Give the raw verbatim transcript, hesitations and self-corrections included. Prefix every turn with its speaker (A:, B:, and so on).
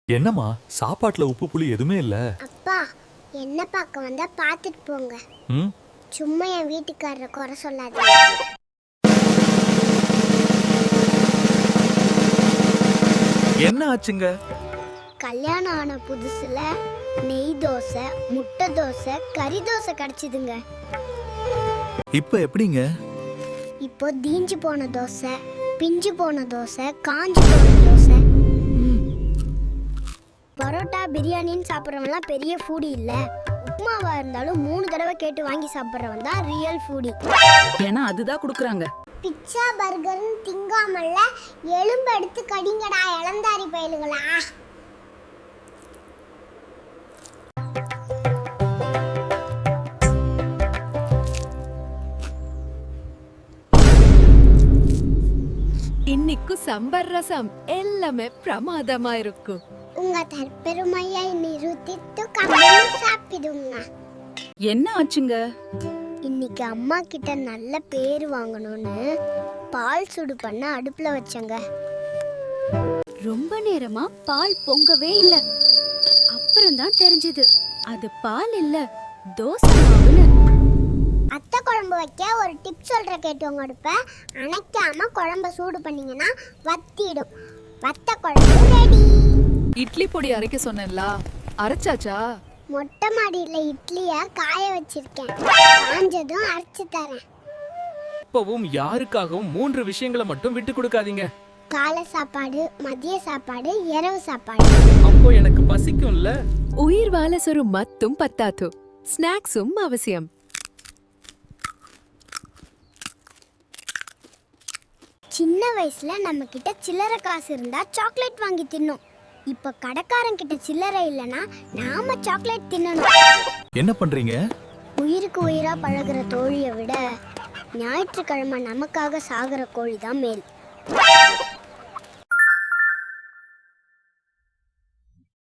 A: என்னம்மா சாப்பாட்டுல உப்பு புளி எதுவுமே இல்ல?
B: அப்பா என்ன பார்க்க வந்தா பார்த்துட்டு போங்க.
A: ம்
B: சும்மா என் வீட்டுக்காரரை குறை சொல்லாதீங்க.
A: என்ன ஆச்சுங்க?
B: கல்யாணம் ஆன புதுசுல நெய் தோசை, முட்டை தோசை, கறி தோசை கிடைச்சிதுங்க.
A: இப்ப எப்படிங்க?
B: இப்போ தீஞ்சு போன தோசை, பிஞ்சு போன தோசை, காஞ்சு போன தோசை. பரோட்டா பிரியாணின்னு சாப்பிட்றவன்லாம் பெரிய ஃபூடி இல்ல. உப்புமாவா இருந்தாலும் மூணு தடவை கேட்டு வாங்கி சாப்பிட்றவன் தான் ரியல் ஃபூடி.
C: ஏன்னா அதுதான் கொடுக்குறாங்க.
B: பிட்சா பர்கர்னு திங்காமல்ல எலும்பு எடுத்து கடிங்கடா இளந்தாரி பயலுங்களா.
D: இன்னைக்கு சம்பர் ரசம் எல்லாமே பிரமாதமா இருக்கும்.
B: உங்க தற்பெருமையை நிரூபித்து கம்மல் சாப்பிடுங்க.
C: என்ன ஆச்சுங்க?
B: இன்னைக்கு அம்மா கிட்ட நல்ல பேர் வாங்கணும்னு பால் சுடு பண்ண அடுப்புல வச்சங்க.
D: ரொம்ப நேரமா பால் பொங்கவே இல்ல. அப்புறம் தான் தெரிஞ்சது அது பால் இல்ல, தோசை மாவுன்னு.
B: அத்தை குழம்பு வைக்க ஒரு டிப் சொல்ற கேட்டவங்க அடுப்ப அணைக்காம குழம்ப சூடு பண்ணீங்கன்னா வத்திடும். வத்த குழம்பு ரெடி.
E: இட்லி பொடி அரைக்க சொன்னேன்ல, அரைச்சாச்சா?
B: மொட்டை மாடியில இட்லிய காய வச்சிருக்கேன், காஞ்சதும் அரைச்சு தரேன்.
F: இப்பவும் யாருக்காகவும் மூன்று விஷயங்களை மட்டும் விட்டு கொடுக்காதீங்க.
B: காலை சாப்பாடு, மதிய சாப்பாடு, இரவு சாப்பாடு.
F: அப்போ எனக்கு பசிக்கும்ல.
D: உயிர் வாழ சொரு மத்தும் பத்தாது, ஸ்நாக்ஸும் அவசியம்.
B: சின்ன வயசுல நம்ம கிட்ட சில்லறை காசு இருந்தா சாக்லேட் வாங்கி தின்னோம். இப்ப கடைக்காரன் கிட்ட சில்லறை இல்லனா நாம சாக்லேட் தின்னணும்.
A: என்ன பண்றீங்க?
B: உயிருக்கு உயிரா பழகுற தோழியை விட ஞாயிற்றுக்கிழமை நமக்காக சாகுற கோழி தான் மேல்.